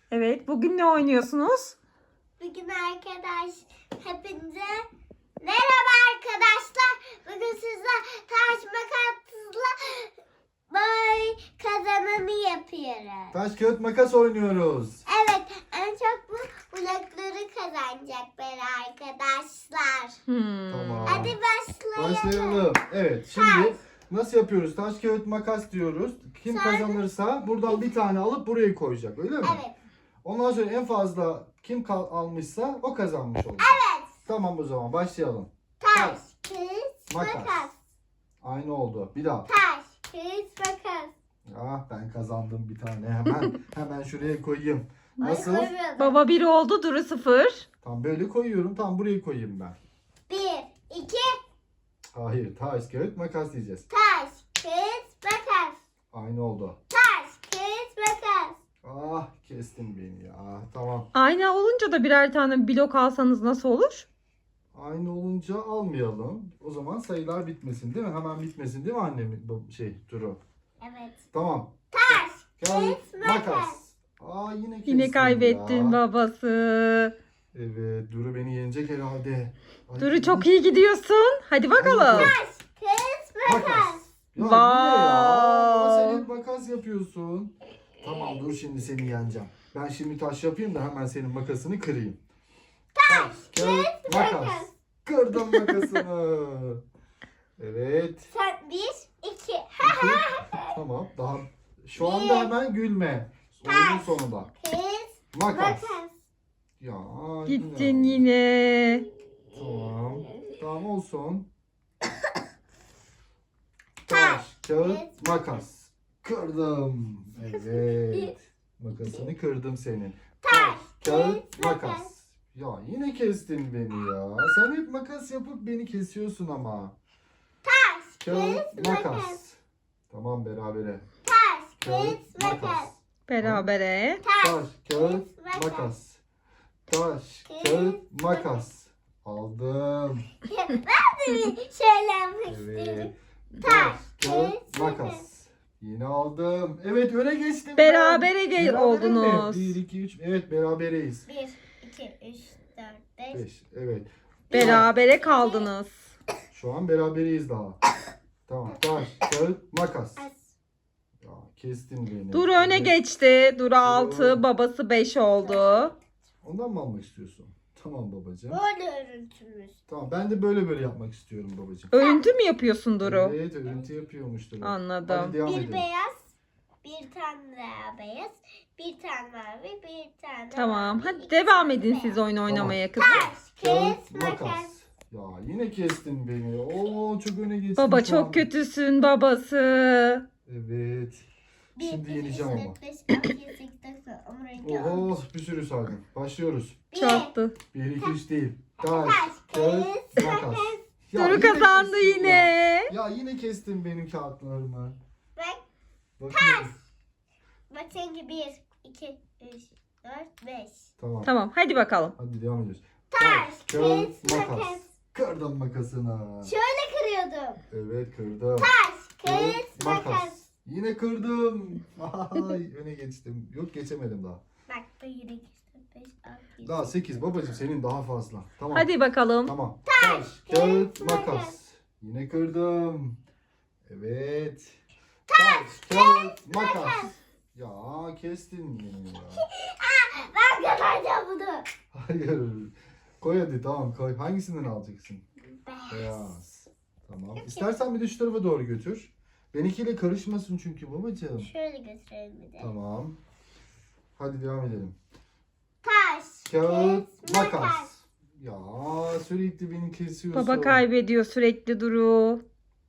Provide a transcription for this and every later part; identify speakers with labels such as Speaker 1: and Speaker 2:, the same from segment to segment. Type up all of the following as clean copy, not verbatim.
Speaker 1: Evet, bugün ne oynuyorsunuz?
Speaker 2: Bugün hepinize merhaba arkadaşlar. Bugün sizler taş makasla boy kazananı yapıyoruz.
Speaker 3: Taş kağıt makas oynuyoruz.
Speaker 2: Evet, en çok bu blokları kazanacaklar arkadaşlar.
Speaker 3: Tamam.
Speaker 2: Hadi başlayalım.
Speaker 3: Başlayalım. Evet, şimdi
Speaker 2: Taş.
Speaker 3: nasıl yapıyoruz? Taş kağıt makas diyoruz. Kim
Speaker 2: Sonra-
Speaker 3: kazanırsa buradan bir tane alıp buraya koyacak, öyle mi?
Speaker 2: Evet.
Speaker 3: Ondan sonra en fazla kim almışsa o kazanmış olacak.
Speaker 2: Evet.
Speaker 3: Tamam, o zaman başlayalım.
Speaker 2: Taş, kağıt,
Speaker 3: Makas.
Speaker 2: makas.
Speaker 3: Aynı oldu. Bir daha.
Speaker 2: Taş, kağıt, makas.
Speaker 3: Ah, ben kazandım bir tane. Hemen şuraya koyayım. Nasıl?
Speaker 2: Ay, koyuyorum.
Speaker 1: Baba 1 oldu, Duru 0.
Speaker 3: Tam böyle koyuyorum. Tam buraya koyayım ben.
Speaker 2: 1, 2,
Speaker 3: Hayır, taş kağıt makas diyeceğiz.
Speaker 2: taş, kağıt, makas.
Speaker 3: Aynı oldu.
Speaker 2: Taş, kağıt, makas.
Speaker 3: Ah, kestin beni ya. Tamam.
Speaker 1: Aynı olunca da birer tane blok alsanız nasıl olur?
Speaker 3: Aynı olunca almayalım. O zaman sayılar bitmesin değil mi? Hemen bitmesin değil mi annem? Bu Duru.
Speaker 2: Evet.
Speaker 3: Tamam.
Speaker 2: Taş,
Speaker 3: Kağıt,
Speaker 2: makas.
Speaker 3: makas. Aa, yine kestin
Speaker 1: Yine kaybettin
Speaker 3: ya.
Speaker 1: babası.
Speaker 3: Evet, Duru beni yenecek herhalde. Ay,
Speaker 1: Duru çok iyi gidiyorsun. Hadi bakalım.
Speaker 2: Taş, kağıt, makas.
Speaker 3: Makas. Ya
Speaker 1: Wow.
Speaker 3: yine ya. Ama sen hep makas yapıyorsun. Tamam, dur şimdi seni yeneceğim. Ben şimdi taş yapayım da hemen senin makasını kırayım. Taş, kağıt, makas. Kırdım makasını. Evet.
Speaker 2: Sen 1, 2.
Speaker 3: Tamam. Daha şu anda hemen gülme. Oyunun sonunda.
Speaker 2: Kağıt,
Speaker 3: Makas.
Speaker 2: makas.
Speaker 3: Ya
Speaker 1: Gittin
Speaker 3: yine.
Speaker 1: yine.
Speaker 3: Tamam. Tamam olsun.
Speaker 2: Taş,
Speaker 3: Taş, kağıt,
Speaker 2: kağıt,
Speaker 3: makas. Kırdım. Evet. Makasını kırdım senin.
Speaker 2: Taş,
Speaker 3: Kağıt,
Speaker 2: makas.
Speaker 3: makas. Ya yine kestin beni ya. Sen hep makas yapıp beni kesiyorsun ama.
Speaker 2: Taş,
Speaker 3: Kağıt,
Speaker 2: kağıt, makas.
Speaker 3: makas. Tamam, berabere.
Speaker 2: Taş,
Speaker 3: Kağıt,
Speaker 2: kağıt, makas.
Speaker 1: Berabere.
Speaker 2: Taş,
Speaker 3: Taş, kağıt,
Speaker 2: makas.
Speaker 3: makas. Taş, kağıt, makas. Aldım.
Speaker 2: Ben de bir şeyler
Speaker 3: Evet.
Speaker 2: istedim.
Speaker 3: Taş,
Speaker 2: Taş,
Speaker 3: kağıt,
Speaker 2: kağıt,
Speaker 3: makas. Yine aldım. Evet, öne geçtim. ben.
Speaker 1: Berabere
Speaker 3: Berabere mi?
Speaker 1: oldunuz.
Speaker 3: 1, 2, 3. Evet, berabereyiz.
Speaker 2: 1, 2, 3, 4, 5.
Speaker 3: 5. Evet.
Speaker 1: Berabere kaldınız.
Speaker 3: Şu an berabereyiz daha. Tamam. Taş, kağıt, makas. Ya kestin beni.
Speaker 1: Duru öne
Speaker 3: Evet.
Speaker 1: geçti. Duru 6, babası 5 oldu.
Speaker 3: Ondan mı almak istiyorsun? Tamam babacığım.
Speaker 2: Böyle örüntümüz.
Speaker 3: Tamam, ben de böyle yapmak istiyorum babacığım.
Speaker 1: Örüntü mü yapıyorsun Duru?
Speaker 3: Evet, örüntü yapıyormuştur.
Speaker 1: Anladım.
Speaker 3: Hadi devam
Speaker 2: Bir
Speaker 3: edelim.
Speaker 2: beyaz, bir tane daha beyaz, bir tane mavi, bir tane
Speaker 1: Tamam.
Speaker 2: mavi,
Speaker 1: Hadi
Speaker 2: iki
Speaker 1: devam
Speaker 2: tane
Speaker 1: edin
Speaker 2: beyaz.
Speaker 1: siz oyun oynamaya kızım.
Speaker 2: Taş, kağıt, makas.
Speaker 3: makas. Ya yine kestin beni. Oo, çok öne geçtin
Speaker 1: Baba
Speaker 3: şu an.
Speaker 1: çok kötüsün babası.
Speaker 3: Evet.
Speaker 2: Bir,
Speaker 3: Şimdi
Speaker 2: iki,
Speaker 3: yeneceğim
Speaker 2: üç,
Speaker 3: ama.
Speaker 2: dört, beş, altı, yedi, sekiz, dokuz, on, on iki, on üç.
Speaker 3: Oh, bir sürü saydım. Başlıyoruz.
Speaker 1: Çattı.
Speaker 3: 1, 2, 3 değil. Taş,
Speaker 2: Taş,
Speaker 3: kağıt,
Speaker 2: kağıt,
Speaker 3: makas.
Speaker 2: makas.
Speaker 3: Ya
Speaker 1: Duru
Speaker 3: yine
Speaker 1: kazandı
Speaker 3: kestin
Speaker 1: yine.
Speaker 3: Ya yine kestin benim kağıtlarımı.
Speaker 2: Bak,
Speaker 3: Bakıyorum.
Speaker 2: bak seninki 1, 2, 3, 4, 5.
Speaker 3: Tamam.
Speaker 1: Tamam hadi bakalım.
Speaker 3: Hadi devam ediyoruz.
Speaker 2: Taş, kağıt, makas.
Speaker 3: Kırdım makasını.
Speaker 2: Şöyle kırıyordum.
Speaker 3: Evet, kırdım.
Speaker 2: Taş, kağıt, makas.
Speaker 3: Yine kırdım. Ay, öne geçtim. Yok, geçemedim daha.
Speaker 2: Bak, 1, 2, 3, 4, 5, 6, 7.
Speaker 3: Daha 8 babacığım, senin daha fazla. Tamam.
Speaker 1: Hadi bakalım.
Speaker 3: Tamam. Taş, kağıt,
Speaker 2: makas.
Speaker 3: makas. Yine kırdım. Evet. Taş, kağıt, makas. Ya kestin beni ya.
Speaker 2: Ben kazanacağım bunu.
Speaker 3: Hayır. Koy hadi, tamam koy. Hangisinden alacaksın?
Speaker 2: Beyaz.
Speaker 3: Beyaz. Tamam. İstersen bir de şu tarafa doğru götür. Benimkiyle karışmasın çünkü babacığım.
Speaker 2: Şöyle götürelim bir de.
Speaker 3: Tamam. Hadi devam edelim.
Speaker 2: Taş,
Speaker 3: Kağıt, makas. Ya sürekli beni kesiyorsun.
Speaker 1: Baba kaybediyor sürekli Duru.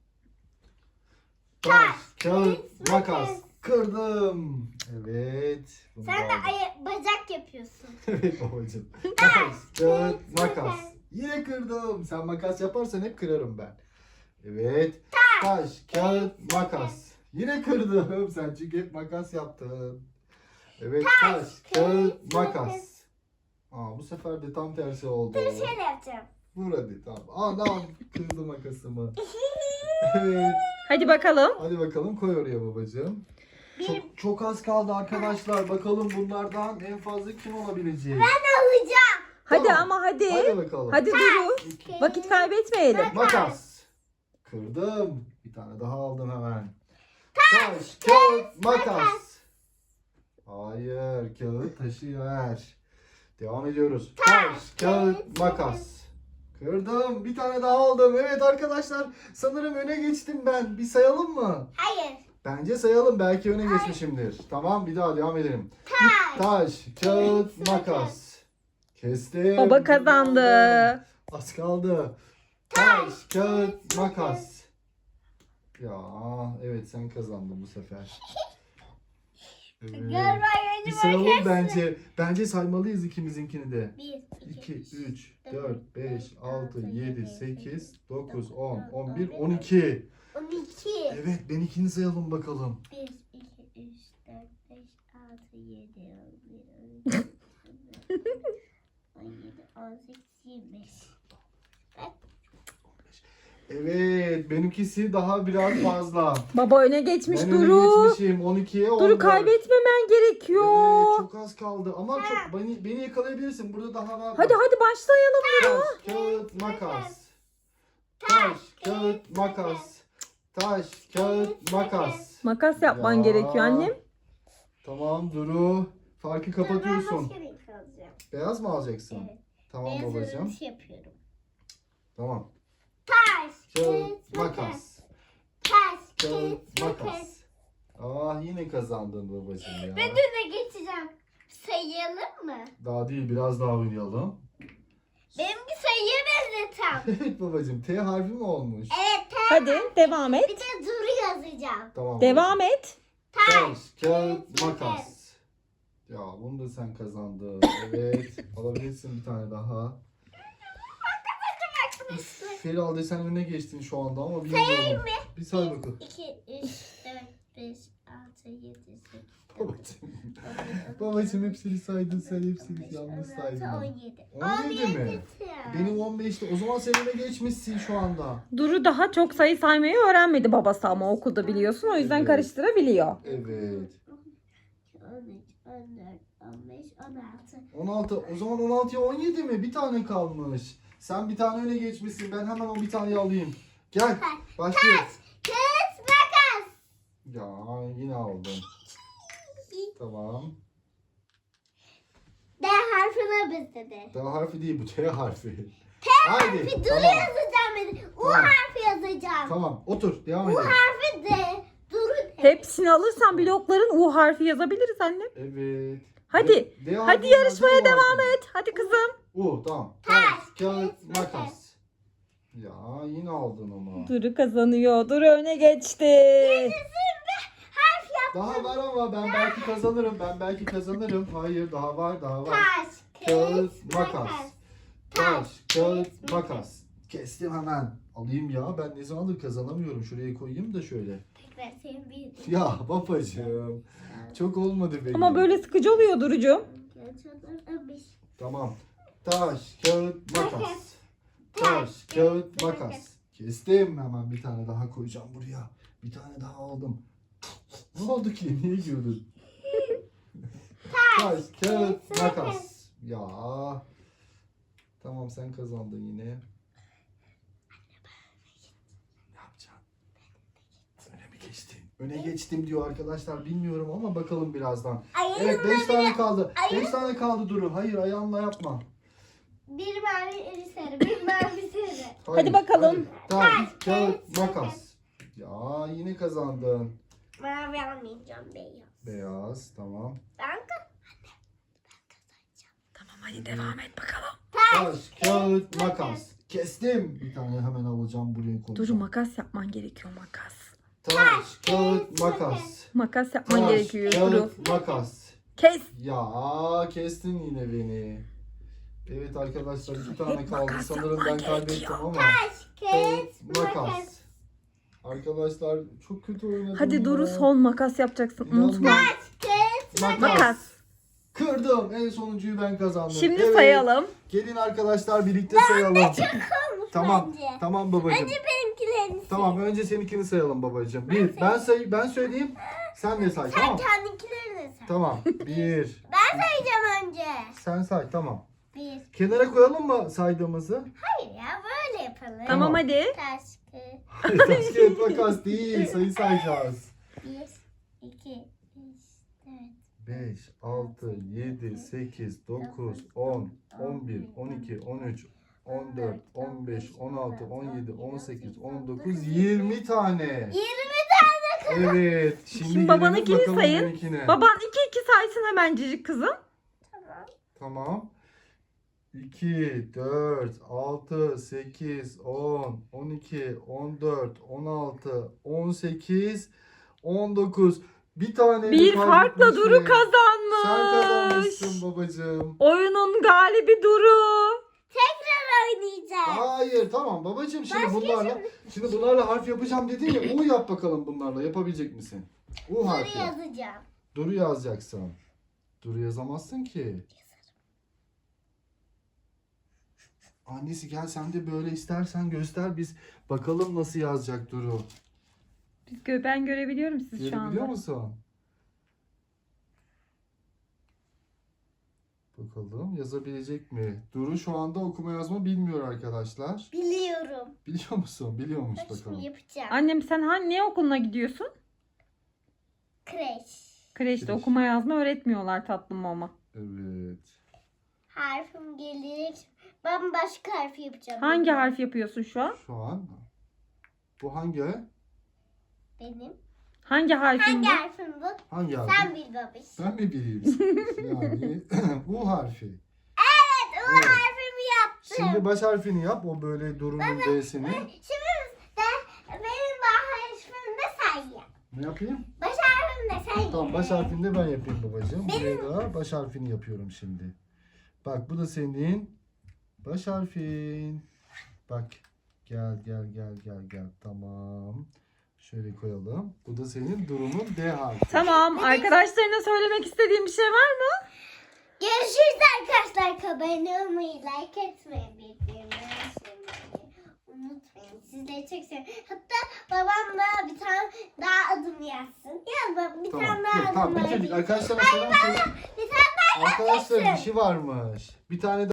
Speaker 3: Taş, kağıt, makas. Kırdım. Evet. Bunu
Speaker 2: Sen de
Speaker 3: da aldım.
Speaker 2: bacak yapıyorsun.
Speaker 3: Evet babacığım. Taş, kağıt, makas. Yine kırdım. Sen makas yaparsan hep kırarım ben. Evet. Taş, kağıt, makas. Yine kırdım. Sen çünkü hep makas yaptın. Evet. Taş, kağıt, makas. Aa, bu sefer de tam tersi oldu.
Speaker 2: Dur şöyle yapacağım.
Speaker 3: Vur hadi, tamam. Anam, kırdı makasımı. Evet.
Speaker 1: Hadi bakalım.
Speaker 3: Hadi bakalım, koy oraya babacığım. Çok az kaldı arkadaşlar. Bakalım bunlardan en fazla kim olabilecek?
Speaker 2: Alacağım.
Speaker 1: Hadi
Speaker 3: Tamam.
Speaker 1: ama hadi.
Speaker 3: Hadi bakalım.
Speaker 1: Hadi Duru. Vakit kaybetmeyelim.
Speaker 3: Makas. Kırdım. Bir tane daha aldım hemen. Taş, kağıt, makas. Hayır, kağıt taşı ver. Devam ediyoruz. Taş, kağıt, makas. Kırdım. Bir tane daha aldım. Evet arkadaşlar, sanırım öne geçtim ben. Bir sayalım mı?
Speaker 2: Hayır.
Speaker 3: Bence sayalım. Belki öne geçmişimdir. Tamam, bir daha devam edelim. Taş, kağıt, makas. Kestim.
Speaker 1: Baba kazandı.
Speaker 3: Az kaldı. Taş, kağıt, makas. Ya evet, sen kazandın bu sefer. Evet.
Speaker 2: Gel
Speaker 3: Bir sayalım bence. Bence saymalıyız ikimizinkini de.
Speaker 2: 1,
Speaker 3: 2, 3, 4, 5, 6, 7, 8, 9, 10, 11, 12.
Speaker 2: 12.
Speaker 3: Evet, benimkini sayalım bakalım.
Speaker 2: 1, 2, 3, 4, 5, 6, 7, 11, 12, 17, 18, 25.
Speaker 3: Evet, benimkisi daha biraz fazla.
Speaker 1: Baba öne geçmiş
Speaker 3: Ben
Speaker 1: Duru.
Speaker 3: öne geçmişim. 12'ye 14.
Speaker 1: Duru kaybetmemen gerekiyor.
Speaker 3: Evet, çok az kaldı. Ama çok beni yakalayabilirsin. Burada daha var.
Speaker 1: Hadi başlayalım.
Speaker 3: Taş, kağıt, makas. Taş, kağıt, makas. Taş, kağıt, makas.
Speaker 1: Makas yapman
Speaker 3: Ya.
Speaker 1: gerekiyor annem.
Speaker 3: Tamam Duru. Farkı kapatıyorsun.
Speaker 2: Ben başka renk alacağım.
Speaker 3: Beyaz mı alacaksın?
Speaker 2: Evet.
Speaker 3: Tamam
Speaker 2: Beyaz
Speaker 3: babacığım.
Speaker 2: örümcek yapıyorum.
Speaker 3: Tamam.
Speaker 2: Taş,
Speaker 3: Kağıt, makas.
Speaker 2: Taş,
Speaker 3: Kağıt, makas. Ah, yine kazandın babacığım ya.
Speaker 2: Ben de geçeceğim. Sayalım mı?
Speaker 3: Daha değil, biraz daha oynayalım.
Speaker 2: Benimki sayıya benzetem.
Speaker 3: Evet babacığım, T harfi mi olmuş?
Speaker 2: Evet.
Speaker 1: Hadi devam
Speaker 2: Bir
Speaker 1: et.
Speaker 2: de Duru yazacağım.
Speaker 3: Tamam.
Speaker 1: Devam et.
Speaker 3: Taş, kağıt, makas. Ya bunu da sen kazandın. Evet. Alabilirsin bir tane daha. Feral sen öne geçtin şu anda ama bilmiyorum. Bir say bakalım.
Speaker 2: 2, 3, 4, 5, 6, 7, 8,
Speaker 3: Babacığım. Babacığım hepsini saydın, sen hepsini yanlış saydın.
Speaker 2: 17.
Speaker 3: 17 mi? Benim 15'ti. O zaman sen öne geçmişsin şu anda.
Speaker 1: Duru daha çok sayı saymayı öğrenmedi babası ama okulda biliyorsun. O yüzden
Speaker 3: Evet.
Speaker 1: karıştırabiliyor.
Speaker 3: Evet.
Speaker 2: 13, 14, 15, 16.
Speaker 3: 16. O zaman 16'ya 17 mi? Bir tane kalmış. Sen bir tane öne geçmişsin. Ben hemen o bir taneyi alayım. Gel. Başlıyoruz.
Speaker 2: Kız makas.
Speaker 3: Ya yine aldım. Tamam.
Speaker 2: D harfine benzedi.
Speaker 3: D harfi değil, bu T harfi.
Speaker 2: Harfi
Speaker 3: Haydi.
Speaker 2: Duru
Speaker 3: Tamam.
Speaker 2: yazacağım ben. U
Speaker 3: Tamam.
Speaker 2: harfi yazacağım.
Speaker 3: Tamam. Otur. Devam
Speaker 2: U
Speaker 3: edelim.
Speaker 2: harfi D. Duru D.
Speaker 1: Hepsini alırsan blokların U harfi yazabiliriz annem.
Speaker 3: Evet.
Speaker 1: Hadi.
Speaker 3: D harfi
Speaker 1: Hadi yarışmaya
Speaker 3: yazdı, U
Speaker 1: devam
Speaker 3: harfi.
Speaker 1: et. Hadi kızım.
Speaker 3: Tamam.
Speaker 2: Taş,
Speaker 3: kağıt,
Speaker 2: makas.
Speaker 3: makas. Ya yine aldın ama.
Speaker 1: Duru kazanıyor. Duru öne geçti.
Speaker 2: Harf yap.
Speaker 3: Daha var ama ben belki kazanırım. Hayır, daha var.
Speaker 2: Taş,
Speaker 3: Kağıt, makas.
Speaker 2: Taş,
Speaker 3: Kağıt, makas. Kestim hemen. Alayım ya. Ben ne zamandır kazanamıyorum. Şuraya koyayım da şöyle.
Speaker 2: Tekrar senin bir.
Speaker 3: Ya babacığım. Çok olmadı benim.
Speaker 1: Ama böyle sıkıcı oluyor Duru'cum.
Speaker 3: Tamam. Taş, kağıt, makas. Taş, kağıt, makas. Kestim. Hemen bir tane daha koyacağım buraya. Bir tane daha aldım. Ne oldu ki? Niye güldün? Taş, kağıt, makas. Ya. Tamam, sen kazandın yine. Ne yapacaksın? Öne mi geçtin? Öne geçtim diyor arkadaşlar. Bilmiyorum ama bakalım birazdan. Evet, 5 tane kaldı. 5 tane kaldı Duru. Hayır, ayağınla yapma.
Speaker 2: Bir mavi sarı, bir mavi sarı.
Speaker 1: Hadi bakalım.
Speaker 3: Hadi. Taş, kağıt, makas. Ya yine kazandın.
Speaker 2: Mavi almayacağım, beyaz.
Speaker 3: Beyaz, tamam.
Speaker 2: Ben
Speaker 1: Tamam hadi devam et bakalım.
Speaker 3: Taş, kağıt, makas. Kestim. Bir tane hemen alacağım, buraya
Speaker 1: Duru
Speaker 3: koyacağım.
Speaker 1: makas yapman gerekiyor makas.
Speaker 3: Taş, kağıt, makas.
Speaker 1: Makas yapman
Speaker 3: Taş,
Speaker 1: gerekiyor Duru.
Speaker 3: kağıt, makas.
Speaker 1: Kes.
Speaker 3: Ya kestin yine beni. Evet arkadaşlar, 2 tane
Speaker 1: Hep
Speaker 3: kaldı.
Speaker 1: makas
Speaker 3: Sanırım ben
Speaker 1: yapman
Speaker 3: kaybettim
Speaker 1: gerekiyor.
Speaker 3: ama.
Speaker 2: kağıt,
Speaker 3: Makas. Arkadaşlar çok kötü oynadım
Speaker 1: Hadi
Speaker 3: ya.
Speaker 1: Duru son makas yapacaksın.
Speaker 3: İnanmıyorum.
Speaker 1: Unutma.
Speaker 2: kağıt.
Speaker 1: Makas.
Speaker 3: Kırdım. En sonuncuyu ben kazandım.
Speaker 1: Şimdi
Speaker 3: Evet.
Speaker 1: sayalım.
Speaker 3: Gelin arkadaşlar, birlikte sayalım. Tamam.
Speaker 2: bence.
Speaker 3: Tamam babacığım.
Speaker 2: Benimkilerini
Speaker 3: Tamam, önce seninkini sayalım babacığım. Ben söyleyeyim. Sen de say
Speaker 2: Sen
Speaker 3: tamam.
Speaker 2: kendinkileri de say.
Speaker 3: Tamam. 1.
Speaker 2: Ben sayacağım önce.
Speaker 3: Sen say tamam.
Speaker 2: 1.
Speaker 3: Kenara koyalım mı saydığımızı?
Speaker 2: Hayır ya böyle yapalım.
Speaker 1: Tamam hadi.
Speaker 2: Taş, kağıt.
Speaker 3: Taş kağıt makas değil. Sayı sayacağız.
Speaker 2: 1, 2, 3, 4.
Speaker 3: 5, 6, 7, 8, 9, 10, 11, 12, 13, 14, 15, 16, 17, 18, 19, 20 tane.
Speaker 2: 20 tane.
Speaker 3: Evet. Şimdi
Speaker 1: Şimdi babanınkini
Speaker 3: gelelim bakalım
Speaker 1: sayın.
Speaker 3: benimkine.
Speaker 1: Baban 2 saysın hemencik kızım.
Speaker 2: Tamam.
Speaker 3: Tamam. 2, 4, 6, 8, 10, 12, 14, 16, 18, 19. Bir tane
Speaker 1: Bir farkla Duru kazanmış.
Speaker 3: Sen kazanmışsın babacığım.
Speaker 1: Oyunun galibi Duru.
Speaker 2: Tekrar oynayacağız.
Speaker 3: Hayır tamam babacığım şimdi bunlarla harf yapacağım dedin ya. U yap bakalım bunlarla. Yapabilecek misin? U
Speaker 2: Soru
Speaker 3: harfi.
Speaker 2: yazacağım.
Speaker 3: Duru yazacaksın. Duru yazamazsın ki. Annesi gel sen de böyle istersen göster biz bakalım nasıl yazacak Duru.
Speaker 1: Ben görebiliyorum siz şu
Speaker 3: Görebiliyor
Speaker 1: anda.
Speaker 3: musun? Bakalım yazabilecek mi? Duru şu anda okuma yazma bilmiyor arkadaşlar.
Speaker 2: Biliyorum.
Speaker 3: Biliyor musun? Biliyormuş
Speaker 2: Bak
Speaker 3: bakalım.
Speaker 2: şimdi yapacağım.
Speaker 1: Annem sen ne okuluna gidiyorsun?
Speaker 2: Kreş.
Speaker 1: Kreşte
Speaker 3: Kreş.
Speaker 1: okuma yazma öğretmiyorlar tatlım ama.
Speaker 3: Evet.
Speaker 2: Harfim gelecek. Ben başka harfi yapacağım.
Speaker 1: Hangi harf yapıyorsun şu an?
Speaker 3: Şu an bu hangi?
Speaker 2: Benim.
Speaker 1: Hangi harfin
Speaker 2: Hangi
Speaker 1: bu?
Speaker 2: harfim bu?
Speaker 3: Hangi harfi?
Speaker 2: Sen bil babiş.
Speaker 3: Ben mi bileyim? Yani U harfi.
Speaker 2: Evet, o
Speaker 3: Evet.
Speaker 2: harfimi yaptım.
Speaker 3: Şimdi baş harfini yap. O böyle Duru'nun D'sini.
Speaker 2: Şimdi de benim harfimi de sen yap.
Speaker 3: Ne yapayım?
Speaker 2: Baş harfimi de sen yap.
Speaker 3: Tamam baş harfini de ben yapayım babacığım. Buraya da baş harfini yapıyorum şimdi. Bak bu da senin baş harfin. Bak gel. Tamam. Şöyle koyalım. Bu da senin Duru'nun D harfi.
Speaker 1: Tamam. Arkadaşlarına söylemek istediğim bir şey var mı?
Speaker 2: Görüşürüz arkadaşlar. Abone olmayı, like etmeyi, bildirimleri açmayı unutmayın. Sizleri çok seviyorum. Hatta babam da bir tane daha adım yazsın. Yaz baba bir tane daha adım
Speaker 3: Tamam
Speaker 2: var.
Speaker 3: bitirdik. Arkadaşlar selam söyle.
Speaker 2: Bir tane daha
Speaker 3: Arkadaşlar bir şey varmış. Bir tane